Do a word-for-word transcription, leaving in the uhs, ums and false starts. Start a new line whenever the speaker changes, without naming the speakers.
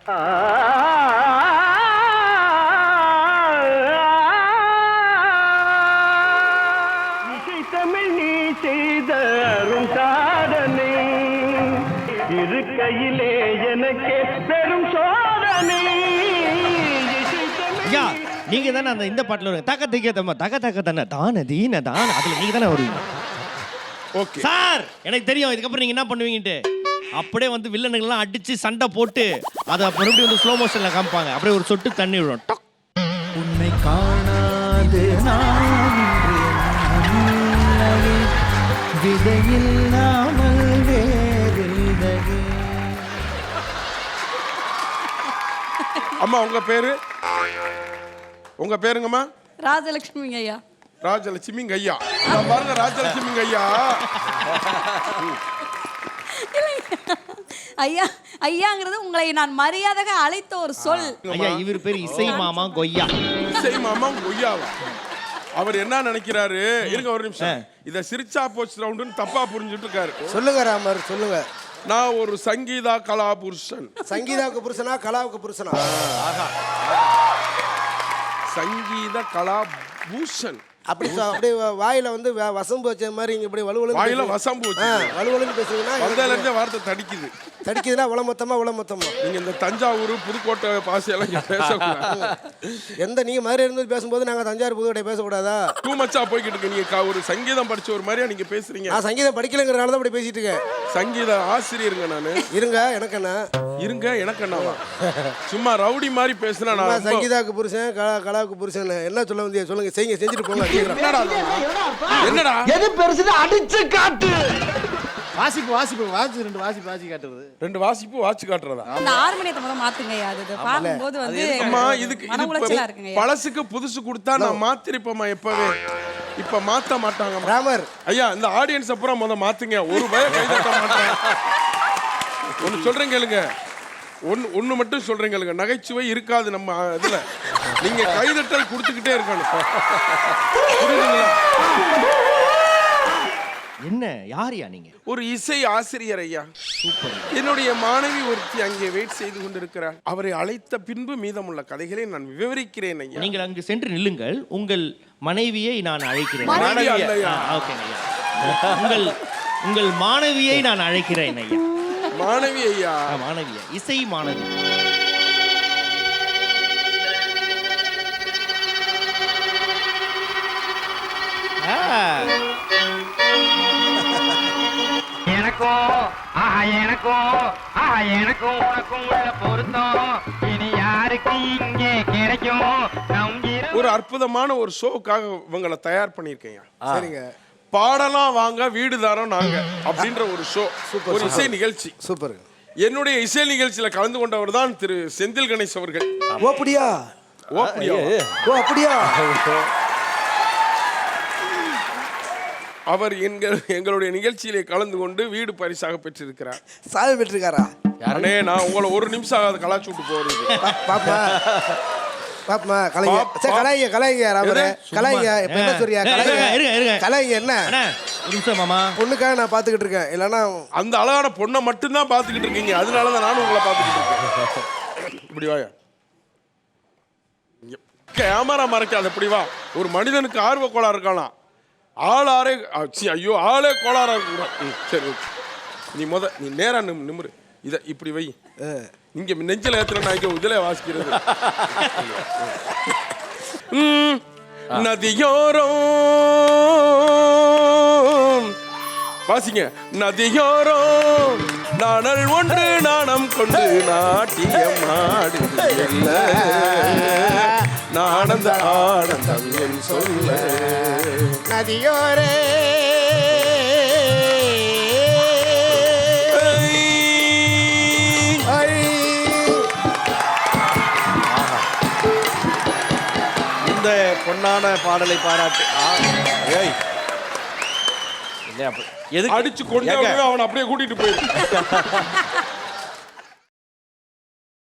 இசை தமிழ் நீ செய்த அரும் சாதனை இருக்கையிலே எனக்கே பெரும் சோதனை.
ஐயா நீங்க தானே அந்த இந்த பாட்டுல வருங்க தக்க திக்க தம்ம தக்க தக்க தானே தான தீன தான அதுல நீங்க தானே வருவீங்க.
ஓகே
சார் எனக்கு தெரியும் இதுக்கப்புறம் நீங்க என்ன பண்ணுவீங்கன்ட்டு. அப்படியே வந்து வில்லனுங்கெல்லாம் அடிச்சு சண்டை போட்டு அதை மறுபடியும் வந்து ஸ்லோ மோஷன்ல காமிப்பாங்க. அப்படியே ஒரு சொட்டு தண்ணி விடும்.
உன்னை காணாது விதையில்லாமல் வேறில்லையே.
அம்மா உங்க பேரு உங்க பேருங்கம்மா?
ராஜலட்சுமி ஐயா.
ராஜலட்சுமி ஐயா. பாருங்க ராஜலட்சுமி ஐயா.
ஐயா ஐயாங்கிறது உங்களை நான் மரியாதையாக அழைத்த ஒரு சொல்.
ஐயா இவர் பேர் இசை மாமா கொய்யா.
இசை மாமா கொய்யாவா? அவர் என்ன நினைக்கிறாரு? இருங்க ஒரு நிமிஷம். இத சிரிச்சா போச்சு ரவுண்டுன்னு தப்பா புரிஞ்சுட்டு இருக்காரு.
சொல்லுங்க ராமர் சொல்லுங்க.
நான் ஒரு சங்கீதா கலா புருஷன்.
சங்கீதாவுக்கு புருஷனா கலாவுக்கு புருஷனா?
சங்கீத கலா பூஷன்.
அப்படி அப்படி வாயில வந்து வசம்பு வச்ச மாதிரி இங்க இப்படி வலுவலு
வாயில வசம்பு வச்சு
வலுவலுன்னு பேசுறீங்கன்னா
வந்ததுல இருந்தே வார்த்தை தடிக்குது.
தடிக்குதுன்னா உல மொத்தமா உல மொத்தமா.
நீங்க இந்த தஞ்சாவூர் புதுக்கோட்டை பாசையெல்லாம் இங்க பேசக்கூடாது.
எந்த நீங்க மாதிரி இருந்து பேசும்போது நாங்க தஞ்சாவூர் புதுக்கோட்டை பேசக்கூடாதா? டூ
மச்சா போய்கிட்டு இருக்கு. நீங்க ஒரு சங்கீதம் படிச்ச ஒரு மாதிரியா நீங்க பேசுறீங்க.
நான் சங்கீதம் படிக்கலங்கிறனால தான் இப்படி பேசிட்டு இருக்கேன்.
சங்கீத ஆசிரியருங்க நானு.
இருங்க எனக்கு என்ன
இருங்க எனக்கு என்னவா? சும்மா ரவுடி மாதிரி பேசுனா நான்
சங்கீதாவுக்கு புருஷன் கலாவுக்கு புருஷன் என்ன சொல்ல வந்தியா? சொல்லுங்க செய்யுங்க செஞ்சுட்டு போங்க.
என்னடா
எது பெருசு அடிச்சு காட்டு. வாசிப்பு வாசிப்பு வாசி ரெண்டு வாசிப்பு வாசி காட்டுறது.
ரெண்டு வாசிப்பு வாசி காட்டுறதா?
அந்த ஹார்மோனியத்தை முதல்ல மாத்துங்க ஐயா. அது பாக்கும்போது வந்து
அம்மா இதுக்கு
மனவுளைச்சலா இருக்குங்க.
பழசுக்கு புதுசு கொடுத்தா நான் மாத்திருப்பேம்மா எப்பவே. இப்ப மாத்த மாட்டாங்க
ராமர்.
ஐயா இந்த ஆடியன்ஸ் அப்புறம் முத மாத்துங்க. ஒரு பய கைதட்ட மாட்டேன். ஒன்னு சொல்றேன் கேளுங்க. ஒன்னு ஒன்னு மட்டும் சொல்றேன் கேளுங்க. நகைச்சுவை இருக்காது நம்ம இதுல. நீங்க கைதட்டல் கொடுத்துக்கிட்டே இருக்கணும். புரியுதுங்களா?
என்ன யாரியா நீங்க?
ஒரு இசை ஆசிரியர் ஐயா. சூப்பர். என்னுடைய மாணவி ஒருத்தி அங்கே வெயிட் செய்து கொண்டிருக்கிறார். அவரை அழைத்த பின்பு மீதமுள்ள கதைகளை நான் விவரிக்கிறேன் ஐயா.
நீங்கள் அங்கு சென்று நில்லுங்கள். உங்கள் மனைவியை நான் அழைக்கிறேன். உங்கள் உங்கள் மாணவியை நான் அழைக்கிறேன் ஐயா.
மாணவி ஐயா.
மாணவியா இசை மாணவி.
எனக்கும் ஆஹா எனக்கும் ஆஹா எனக்கும் உனக்கும் உள்ள பொருத்தம் இனி யாருக்கு இங்கே கிடைக்கும்?
ஒரு அற்புதமான ஒரு ஷோக்காக இவங்களை தயார் பண்ணியிருக்கேன்.
சரிங்க.
பாடலாம் வாங்க வீடு தாரோம் நாங்க அப்படின்ற ஒரு ஷோ. ஒரு இசை நிகழ்ச்சி.
சூப்பர்.
என்னுடைய இசை நிகழ்ச்சியில கலந்து கொண்டவர் தான் திரு செந்தில் கணேஷ் அவர்கள்.
ஓ அப்படியா?
ஓ அப்படியா?
ஓ அப்படியா?
அவர் எங்கள் எங்களுடைய நிகழ்ச்சியிலே கலந்து கொண்டு வீடு பரிசாக பெற்றிருக்கிறார்.
சாவி பெற்றிருக்காரா?
அண்ணே நான் உங்களை ஒரு நிமிஷம் ஆகாது கலாச்சு விட்டு போறது.
பாப்பா பாப்பா கலைங்க. சரி கலைங்க கலைங்க ராமரே கலைங்க. இப்ப என்ன சொல்றியா? கலைங்க கலைங்க. என்ன
ஒரு நிமிஷம் மாமா.
பொண்ணுக்காக நான் பாத்துக்கிட்டு இருக்கேன். இல்லன்னா
அந்த அழகான பொண்ணை மட்டும் தான் பாத்துக்கிட்டு இருக்கீங்க. அதனால தான் நானும் உங்களை பாத்துக்கிட்டு இருக்கேன். இப்படி வாயா. கேமரா மறைக்காத. இப்படி வா. ஒரு மனிதனுக்கு ஆர்வ கோளாறு இருக்கலாம். ஆள் ஆறே ஐயோ ஆளே கோளாறா இருக்க. சரி நீ முத நீ நேரா நிமிரு. இத இப்படி வை. இங்க நெஞ்சில ஏத்துற நான் இங்க உதல வாசிக்கிறது. நதியோரம் வாசிங்க. நதியோரம் நாணல் ஒன்று நாணம் கொண்டு நாட்டியம் ஆடுதில்ல நானந்த ஆனந்தம் என் சொல்ல.
நதியோரே
இந்த பொன்னான பாடலை பாராட்டு.
அடிச்சு கொண்டு அவனை அப்படியே கூட்டிட்டு போயிரு.